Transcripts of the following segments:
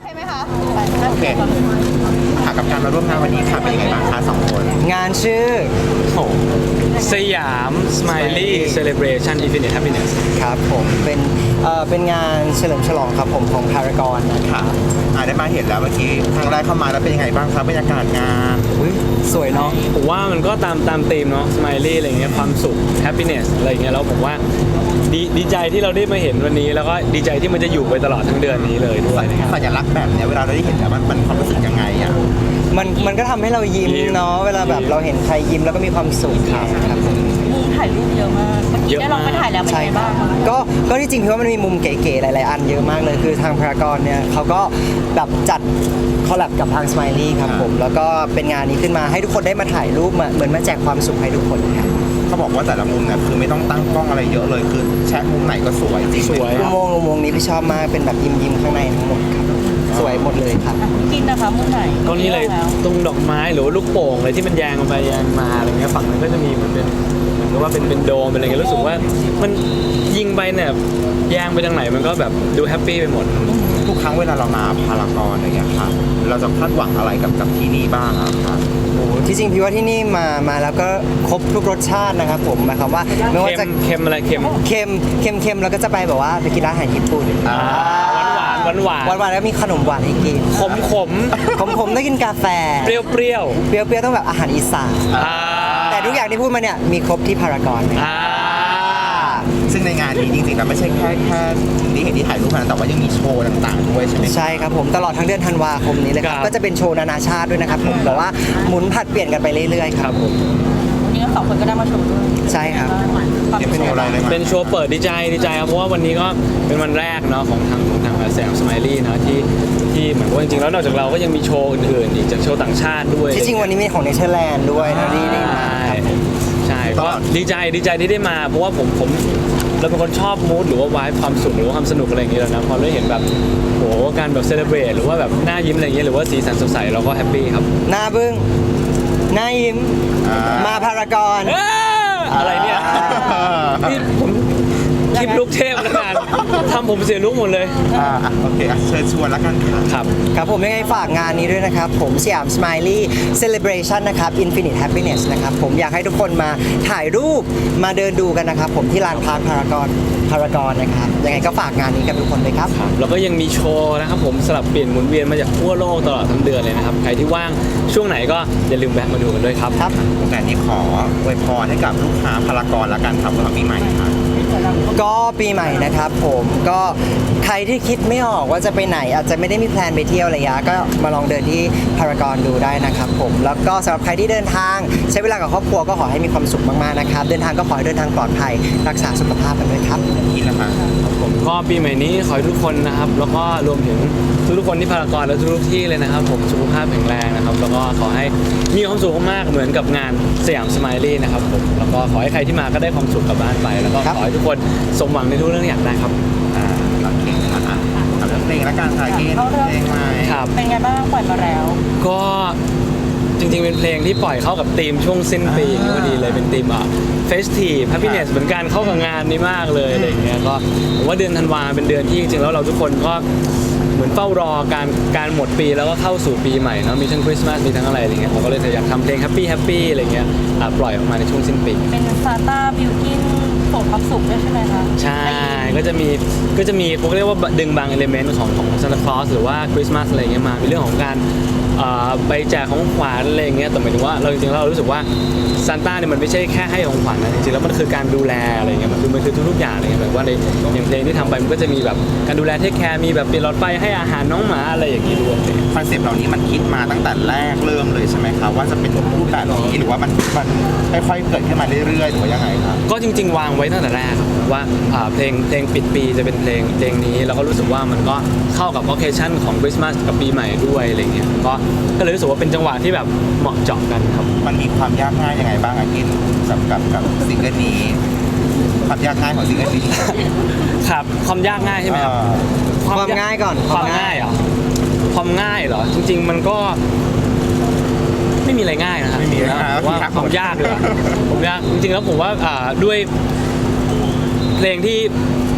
ใช่ไหมคะโอเคค่ะกับการมาร่วมงานวันนี้ค่ะเป็นยังไงบ้างคะสองคนงานชื่อสยาม Smiley Celebration Infinite Happiness ครับผมเป็นงานเฉลิมฉลองครับผมของพารากอนนะครับได้มาเห็นแล้วเมื่อกี้ครั้งแรกเข้ามาแล้วเป็นยังไงบ้างครับบรรยากาศงานอุ๊ยสวยเนาะผมว่ามันก็ตามธีมเนาะ Smiley อะไรเงี้ยความสุข Happiness อะไรเงี้ยแล้วผมว่าดีใจที่เราได้มาเห็นวันนี้ แล้วก็ดีใจที่มันจะอยู่ไปตลอดทั้งเดือนนี้เลยด้วยนะครับสัญลักษณ์แบบเนี้ยเวลาเราได้เห็นแล้วมันความรู้สึกยังไงอ่ะมันก็ทำให้เรายิ้มเนาะเวลาแบบเราเห็นใครยิ้มแล้วก็มีความสุขครับผมมุมถ่ายรูปเยอะมากเมื่อกี้ได้ลองไปถ่ายแล้วเป็นใช่ไงครับ้าบงก็ที่จริงพี่ว่ามันมีมุมเก๋ๆหลายๆอันเยอะมากเลยคือทางพารากอนเนี่ยเขาก็แบบจัดคอลแลบกับทาง Smiley ครับผมแล้วก็เป็นงานนี้ขึ้นมาให้ทุกคนได้มาถ่ายรูปเหมือนมาแจกความสุขให้ทุกคนครับเขาบอกว่าแต่ละมุมเนี่ยคือไม่ต้องตั้งกล้องอะไรเยอะเลยคือแชะมุมไหนก็สวยจริงสวยอุโมงค์นี้พี่ชอบมากเป็นแบบยิ้มข้างในทั้งหมดครับสวยหมดเลยครับกินนะคะมุมไหนก็นี่เลยตรงดอกไม้หรือว่าลูกโป่งอะไรที่มันแยงไปแยงมาอะไรเงี้ยฝั่งนั้นก็จะมีเหมือนกับว่าเป็นโดมเป็นอะไรเงี้ยรู้สึกว่ามันยิงไปเนี่ยแยงไปทางไหนมันก็แบบดูแฮปปี้ไปหมดทุกครั้งเวลาเรามาพารากอนอะไรอย่างเงี้ยค่ะเราจะคาดหวังอะไรกับที่นี่บ้างอะคะที่จริงพี่ว่าที่นี่มาแล้วก็ครบทุกรสชาตินะครับผมหมายความว่าไม่ว่าจะเค็มอะไรเค็มเค็มแล้วก็จะไปแบบว่าไปกินร้านอาหารญี่ปุ่นหวานหวานแล้วมีขนมหวานให้กินขมผมต้องกินกาแฟเปรี้ยวเปรี้ยวต้องแบบอาหารอีสาน แต่ทุกอย่างที่พูดมาเนี่ยมีครบที่พารากอนนะครับซึ่งในงานนี้จริงๆแล้วไม่ใช่แค่ที่เห็นที่ถ่ายรูปนะแต่ว่ายังมีโชว์ต่างๆด้วยใช่ไหมใช่ครับผมตลอดทั้งเดือนธันวาคมนี้เลยครับก็จะเป็นโชว์นานาชาติด้วยนะครับผมแต่ว่าหมุนผัดเปลี่ยนกันไปเรื่อยๆครับผมวันนี้ก็สองคนก็ได้มาชมด้วยใช่ครับความเตรียมเป็นโชว์อะไรเลยมั้ยเป็นโชว์เปิดดีใจครับเพราะว่าวันนี้ก็เป็นวันแรกเนาะของทางแสงสไมลี่เนาะที่เหมือนว่าจริงๆแล้วนอกจากเราก็ยังมีโชว์อื่นๆอีกจากโชว์ต่างชาติด้วยที่จริงวันนี้มีของเนเธอร์แลนด์ด้วยนะนี่มาครับใช่ก็ดีใจที่ได้มาเพราะว่าผมเราเป็นคนชอบมูดหรือว่าวายความสุขหรือว่าความสนุกอะไรอย่างเงี้ยแล้วนะพอได้เห็นแบบโหการแบบเซเลบรตหรือว่าแบบหน้ายิ้มอะไรอย่างเงี้ยหรือว่าสีสันสดใสเราก็แฮปปี้ครับหน้าบึ้งหน้ายิ้มมาพารากอนอะไรเนี่ยนี่ผมคลิปลูกเทพแล้วกันทำผมเสียลุกหมดเลยโอเคเชิญชวนแล้วกันค่ะครับครับผมยังไงฝากงานนี้ด้วยนะครับผมสยาม Smiley Celebration นะครับ Infinite Happiness นะครับผมอยากให้ทุกคนมาถ่ายรูปมาเดินดูกันนะครับผมที่ลานพาร์คพารากอนนะครับยังไงก็ฝากงานนี้กับทุกคนเลยครับแล้วก็ยังมีโชว์นะครับผมสลับเปลี่ยนหมุนเวียนมาจากทั่วโลกตลอดทั้งเดือนเลยนะครับใครที่ว่างช่วงไหนก็อย่าลืมแวะมาดูกันด้วยครับครับแต่นี้ขออวยพรให้กับลูกค้าพารากอนแล้วกันครับสำหรับปีใหม่ค่ะก็ปีใหม่นะครับผมก็ใครที่คิดไม่ออกว่าจะไปไหนอาจจะไม่ได้มีแพลนไปเที่ยวระยะก็มาลองเดินที่พารากอนดูได้นะครับผมแล้วก็สำหรับใครที่เดินทางใช้เวลากับครอบครัวก็ขอให้มีความสุขมากๆนะครับเดินทางก็ขอให้เดินทางปลอดภัยรักษาสุขภาพกันด้วยครับกินนะคะผมก็ปีใหม่นี้ขอให้ทุกคนนะครับแล้วก็รวมถึงทุกๆคนที่พารากอนและทุกๆที่เลยนะครับผมสุขภาพแข็งแรงนะครับแล้วก็ขอให้มีความสุขมากๆเหมือนกับงานสยามสไมลี่นะครับผมแล้วก็ขอให้ใครที่มาก็ได้ความสุขกลับบ้านไปแล้วก็ครับขอให้ทุกคนสมหวังในทุกเรื่องอยากได้ครับโอเคนะคะเอาเรื่องเพลงแล้วกันค่ะกินเพลงใหม่ครับเป็นไงบ้างปล่อยมาแล้วก็จริงๆเป็นเพลงที่ปล่อยเข้ากับธีมช่วงสิ้นปีพอดีเลยเป็นธีมเฟสทีฟแฮปปี้เนสเหมือนกันเข้ากับงานนี้มากเลยอะไรอย่างเงี้ยก็ผมว่าเดือนธันวาเป็นเดือนที่จริงๆแล้วเราทุกคนก็เหมือนเฝ้ารอการหมดปีแล้วก็เข้าสู่ปีใหม่เนาะมีทั้งคริสต์มาสมีทั้งอะไรอะไรเงี้ยผมก็เลยอยากทำเพลงแฮปปี้อะไรเงี้ยปล่อยออกมาในช่วงสิ้นปีเป็นซานต้าบิวกินส่งความสุขด้วยใช่ไหมคะใช่ก็จะมีเขาเรียกว่าดึงบางเอลิเมนต์ของซานตาคลอสหรือว่าคริสต์มาสอะไรเงี้ยมามีเรื่องของการไปแจกของขวัญอะไรเงี้ยแต่หมายถึงว่าเราจริงๆเรารู้สึกว่าซานต้าเนี่ยมันไม่ใช่แค่ให้ของขวัญนะจริงๆแล้วมันคือการดูแลอะไรเงี้ยมันคือทุกๆอย่างอะไรเงี้ยแบบว่าในอย่างเพลงที่ทำไปมันก็จะมีแบบการดูแลเทคแคร์มีแบบเปลี่ยนหลอดไฟให้อาหารน้องหมาอะไรอย่างงี้ด้วยคอนเซปต์เหล่านี้มันคิดมาตั้งแต่แรกเริ่มเลยใช่ไหมครับว่าจะเป็นรูปแบบนี้หรือว่ามันค่อยๆเกิดขึ้นมาเรื่อยๆหรือว่ายังไงครับก็จริงๆ วางไว้ตั้งแต่แรกครับว่าเพลงปิดปีจะเป็นเพลงนี้แล้วก็รู้สึกว่ามันก็เข้ากับ occasion ของคริสต์มาสกับปีใหม่ด้วยอะไรเงี้ยก็เลยรู้สึกว่าเป็นจังหวะที่แบบเหมาะเจาะกันครับมันมีความยากง่ายยังไงบ้างอากินกับซิงเกิลนี้ความยากง่ายของซิงเกิลนี้ครับความยากง่ายใช่ไหมครับความง่ายก่อนความง่ายเหรอความง่ายเหรอจริงๆมันก็ไม่มีอะไรง่ายนะฮะไม่มีนะครับผมว่าความยากเลยผมยากจริงๆแล้วผมว่าด้วยเพลงที่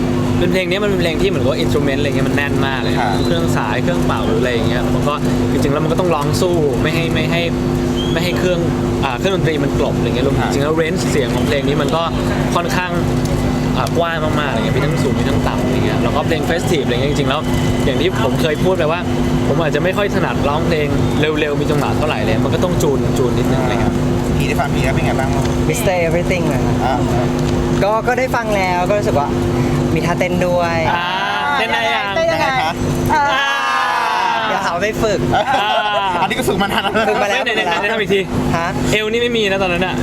เป็นเพลงนี้มันเป็นเพลงที่เหมือนกับอินสตูเมนต์อะไรเงี้ยมันแน่นมากเลยครับเครื่องสายเครื่องเป่าหรืออะไรอย่างเงี้ยมันก็จริงๆแล้วมันก็ต้องร้องสู้ไม่ให้เครื่องดนตรีมันกลบอะไรเงี้ยรวมถึงจริงๆแล้วเรนจ์เสียงของเพลงนี้มันก็ค่อนข้างกว้างมากๆอะไรเงี้ยมีทั้งสูงมีทั้งต่ำอะไรเงี้ยแล้วก็เพลงเฟสทีฟอะไรเงี้ยจริงๆแล้วอย่างที่ผมเคยพูดไปว่า ผมอาจจะไม่ค่อยถนัดร้องเพลงเร็วๆมีจังหวะเท่าไหร่เลยมันก็ต้องจูนนิดนึงอะไรเงี้ยพี่ได้ฟังพี่แล้วเป็นไงบ้าง Mr. Everything นะครับอ่าก็ได้ฟังแล้วก็รู้สึกว่ามีท่าเต้นด้วยเต้นได้ยังยังไงคะเดี๋ยวหาว่าไม่ฝึกอันนี้ก็ฝึกมานานแล้วฝึกมาแล้วไหนทำอีกทีฮะเอวนี่ไม่มีนะตอนนั้นอ่ะ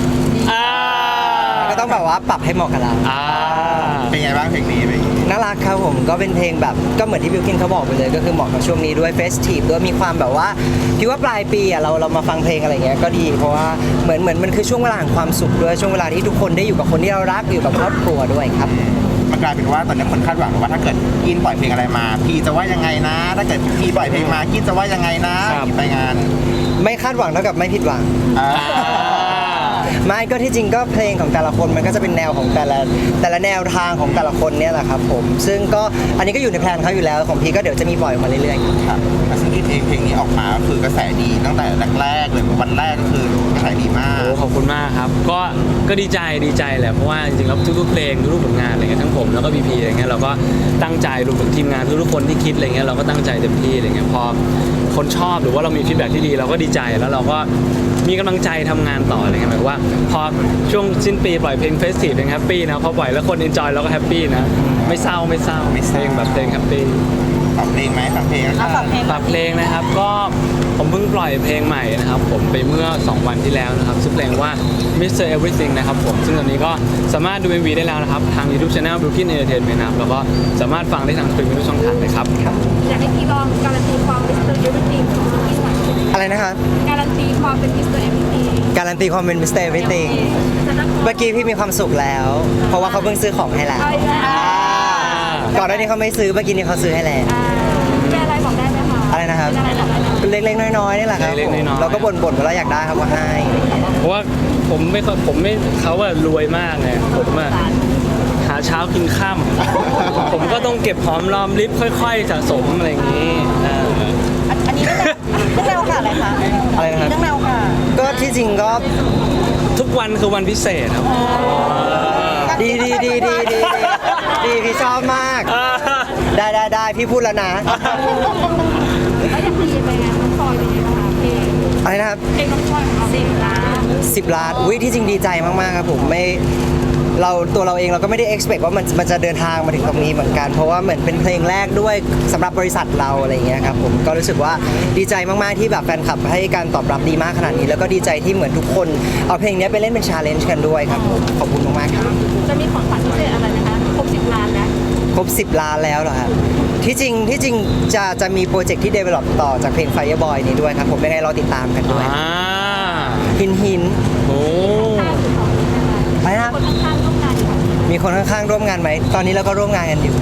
ก็ต้องแบบว่าปรับให้เหมาะกับเราเป็นไงบ้างเพลงนี้เป็นไงน่ารักครับผมก็เป็นเพลงแบบก็เหมือนที่บิวกินเขาบอกไปเลยก็คือเหมาะกับช่วงนี้ด้วยเฟสทีฟด้วยมีความแบบว่าพี่ว่าปลายปีอ่ะเรามาฟังเพลงอะไรเงี้ยก็ดีเพราะว่าเหมือนมันคือช่วงเวลาแห่งความสุขด้วยช่วงเวลาที่ทุกคนได้อยู่กับคนที่เรารักอยู่กับครอบครัวด้วยครับมันกลายเป็นว่าตอนนี้คนคาดหวังว่าถ้าเกิดกินปล่อยเพลงอะไรมา พี่จะว่ายังไงนะ ถ้าเกิดพี่ปล่อยเพลงมากินจะว่ายังไงนะครับ ไปงานไม่คาดหวังเท่ากับไม่ผิดหวังอ่าไม่ก็ที่จริงก็เพลงของแต่ละคนมันก็จะเป็นแนวของแต่ละแนวทางของแต่ละคนเนี่ยแหละครับผมซึ่งก็อันนี้ก็อยู่ในแพลนเขาอยู่แล้วของพี่ก็เดี๋ยวจะมีปล่อยออกมาเรื่อยๆครับแต่ซึ่งเพลงนี้ออกมาก็คือกระแสดีตั้งแต่แรกๆเลยวันแรกก็คือกระแสดีมากโอ้ขอบคุณมากครับก็ดีใจแหละเพราะว่าจริงๆแล้วทุกๆเพลงทุกๆผลงานอะไรเงี้ยทั้งผมแล้วก็พีพีอะไรเงี้ยเราก็ตั้งใจรวมถึงทีมงานทุกๆคนที่คิดอะไรเงี้ยเราก็ตั้งใจเต็มที่อะไรเงี้ยพอคนชอบหรือว่าเรามีฟีดแบ็กที่ดีเราก็ดีใจแล้วเราก็มีกำลังใจทำงานต่ออะไรเงี้ยหมายว่าพอช่วงสิ้นปีปล่อยเพลงเฟสทีฟเพลงแฮปปี้นะพอปล่อยแล้วคนเอนจอยเราก็แฮปปี้นะไม่เศร้าเพลงแบบเพลงแฮปปี้ฝากเพลงไหมฝากเพลงนะครับฝากเพลงฝากเพลงนะครับก็ผมเพิ่งปล่อยเพลงใหม่นะครับผมไปเมื่อ 2 วันที่แล้วนะครับชื่อเพลงว่า Mr. Everything นะครับผมซึ่งตอนนี้ก็สามารถดู MV ได้แล้วนะครับทาง YouTube Channel Brooklyn Entertainment นะครับแล้วก็สามารถฟังได้ทางสตรีมมิ่งทุกช่องทางเลยครับอยากให้พี่ลองการันตีความเป็น Mr. Everything ของพี่หน่อยอะไรนะครับการันตีความเป็น Mr. Everything การันตีความเป็น Mr. Everything เมื่อกี้พี่มีความสุขแล้ว เพราะว่าเขาเพิ่งซื้อของให้แล้วเอาอีกแล้วก่อนหน้านี้เขาไม่ซื้อเมื่อกี้นี้เขาซื้อให้แล้วเป็นอะไรบอกได้ไหมคะอะไรนะครับเป็นอะไรบอกได้ไหมเล็กๆน้อยๆนี่แหละครับเล็กๆน้อยๆเราก็บ่นๆว่าเราอยากได้ครับว่าให้เพราะว่าผมไม่เขาอะรวยมากไงผมอะหาเช้ากินค่ำผมก็ต้องเก็บหอมรอมริบค่อยๆสะสมอะไรอย่างนี้อันนี้เรื่องแนวค่ะอะไรคะอะไรนะครับเรื่องแนวค่ะก็ที่จริงก็ทุกวันคือวันพิเศษครับดีพี่ชอบมาก ได้พี่พูดแล้วนะแล้วอยากตีไปไงน้องฟอยเป็นไงบ้างคะเพลงอะไรนะครับเพลงน้องฟอยของเรา10 ล้าน 10 ล้านอุ้ยที่จริงดีใจมากๆครับผมไม่ตัวเราเองเราก็ไม่ได้ expect ว่ามันจะเดินทางมาถึงตรงนี้เหมือนกัน เพราะว่าเหมือนเป็นเพลงแรกด้วยสำหรับบริษัทเราอะไรอย่างเงี้ยครับผมก็รู้สึกว่าดีใจมากๆที่แบบแฟนคลับให้การตอบรับดีมากขนาดนี้ แล้วก็ดีใจที่เหมือนทุกคนเอาเพลงนี้ไปเล่นเป็น challenge กันด้วยครับผมขอบคุณมากๆครับจะมีของขวัญพิเศษอะไรไหมคะครบ10 ล้านแล้วครบ 10 ล้านแล้วเหรอครับที่จริงจะมีโปรเจกต์ที่ develop ต่อจากเพลง Fireboy นี้ด้วยครับผมยังไงรอติดตามกันด้วย หินโอ้ไปนะคนข้างๆร่วมงานอยู่มีคนข้างๆร่วมงานไหมตอนนี้เราก็ร่วมงานกันอยู่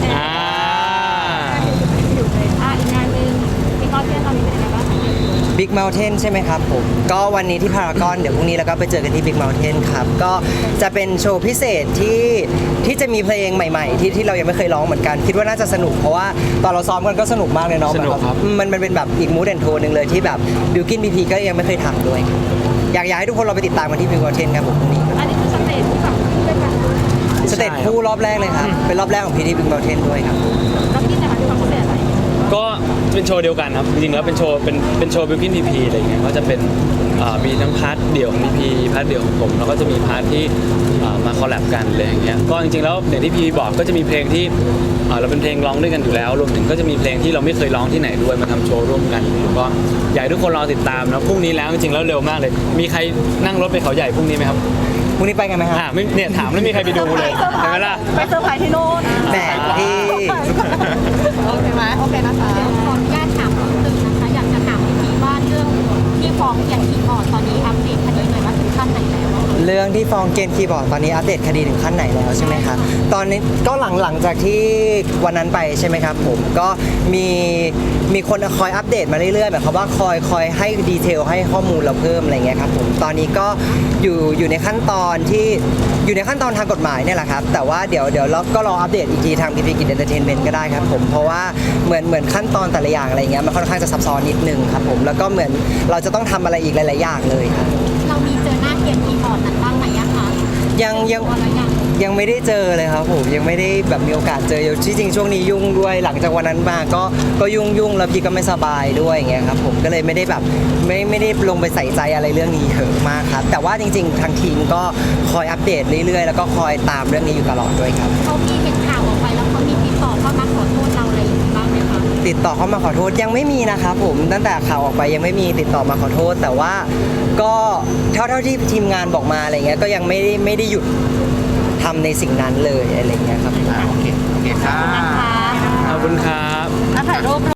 อยู่เลยอีกงานหนึ่งมีคอนเทนต์ตอนนี้เป็นยังไงบ้าง Big Mountain ใช่ไหมครับผมก็วันนี้ที่พารากอนเดี๋ยวพรุ่งนี้เราก็ไปเจอกันที่ Big Mountain ครับก็จะเป็นโชว์พิเศษที่จะมีเพลงใหม่ๆที่เรายังไม่เคยร้องเหมือนกันคิดว่าน่าจะสนุกเพราะว่าตอนเราซ้อมกันก็สนุกมากเลยเนาะสนุกครับมันเป็นแบบอีกมูดแอนโทนหนึ่งเลยที่แบบบิวกินบีพีก็ยังไม่เคยทำด้วยอยากให้ทุกคนเราไปติดตามกันที่ Big Mountain ครับผมพรุ่งนี้อันนี้คือสเตจที่แบบขึ้นด้วยกันสเตจคู่รอบแรกเลยครับเป็นรอบแรกของพีที่ Big Mountain ด้วยครับแล้วพี่นะคะมีความพิเศษอะไรก็เป็นโชว์เดียวกันครับจริงๆแล้วเป็นโชว์บิลกินพีพีอะไรเงี้ยก็จะเป็นมีทั้งพาร์ทเดี่ยวของพีพีพาร์ทเดี่ยวของผมแล้วก็จะมีพาร์ทที่มาคอลแลบกันอะไรอย่างเงี้ยก็จริงๆแล้วอย่างที่พีบอกก็จะมีเพลงที่เราเป็นเพลงร้องด้วยกันอยู่แล้วรวมถึงก็จะมีเพลงที่เราไม่เคยร้องที่ไหนด้วยมาทำโชว์ร่วมกันก็อยากให้ทุกคนรอติดตามนะพรุ่งนี้แล้วจริงๆแล้วเร็วมากเลย มีใครนั่งรถไปเขาใหญ่พรุ่งนี้ไหมครับพรุ่งนี้ไปกันไหมครับไม่เนี่ยถามแล้วมีใครไปดูเลยเห็นไหมล่ะไปเซอร์ไพรส์ที่โน่นแหมพี่โอเคไหมโอเคนะคะเดี๋ยวขออนุญาตถามเพิ่มเติมนะคะอยากจะถามพี่ว่าเรื่องที่ฟ้องอย่างที่อ่อนตอนนี้อัปเดตคดีหน่อยว่าถึงขั้นไหนแล้วเรื่องที่ฟองเกมคีย์บอร์ดตอนนี้อัปเดตคดีถึงขั้นไหนแล้วใช่ไหมครับตอนนี้ก็หลังจากที่วันนั้นไปใช่ไหมครับผมก็มีคนคอยอัปเดตมาเรื่อยๆแบบเขามว่าคอยให้ดีเทลให้ข้อมูลเราเพิ่มอะไรเงี้ยครับผมตอนนี้ก็อยู่ในขั้นตอนที่อยู่ในขั้นตอนทางกฎหมายเนี่ยแหละครับแต่ว่าเดี๋ยวเราก็รออัปเดตอีกทีทางพีพีกิจเอนเตอร์เทนเมนต์ก็ได้ครับผมเพราะว่าเหมือนขั้นตอนแต่ละอย่างอะไรเงี้ยมันค่อนข้างจะซับซ้อนนิดนึงครับผมแล้วก็เหมือนเราจะต้องทำอะไรอีกหลายๆอย่างเลยครับเรามีเจอหน้าเกมคีย์บอร์ดนั้นบ้างไหมอะคะยังไม่ได้เจอเลยครับผมยังไม่ได้แบบมีโอกาสเจอที่จริงช่วงนี้ยุ่งด้วยหลังจากวันนั้นมาก็ยุ่งแล้วพี่ก็ไม่สบายด้วยอย่างเงี้ยครับผมก็เลยไม่ได้แบบไม่ได้ลงไปใส่ใจอะไรเรื่องนี้เยอะมากครับแต่ว่าจริงๆทางทีมก็คอยอัปเดตเรื่อยๆแล้วก็คอยตามเรื่องนี้อยู่ตลอดด้วยครับเขามีเห็นข่าวออกไปแล้วเขามีติดต่อเข้ามาขอโทษเราอะไรอย่างนี้บ้างไหมคะติดต่อเข้ามาขอโทษยังไม่มีนะครับผมตั้งแต่ข่าวออกไปยังไม่มีติดต่อมาขอโทษ แต่ว่าก็เท่าที่ทีมงานบอกมาอะไรเงี้ยก็ยังไม่ได้หยุดทำในสิ่งนั้นเลยอะไรเงี้ยครับโอเคค่ะขอบคุณครับถ่ายรูป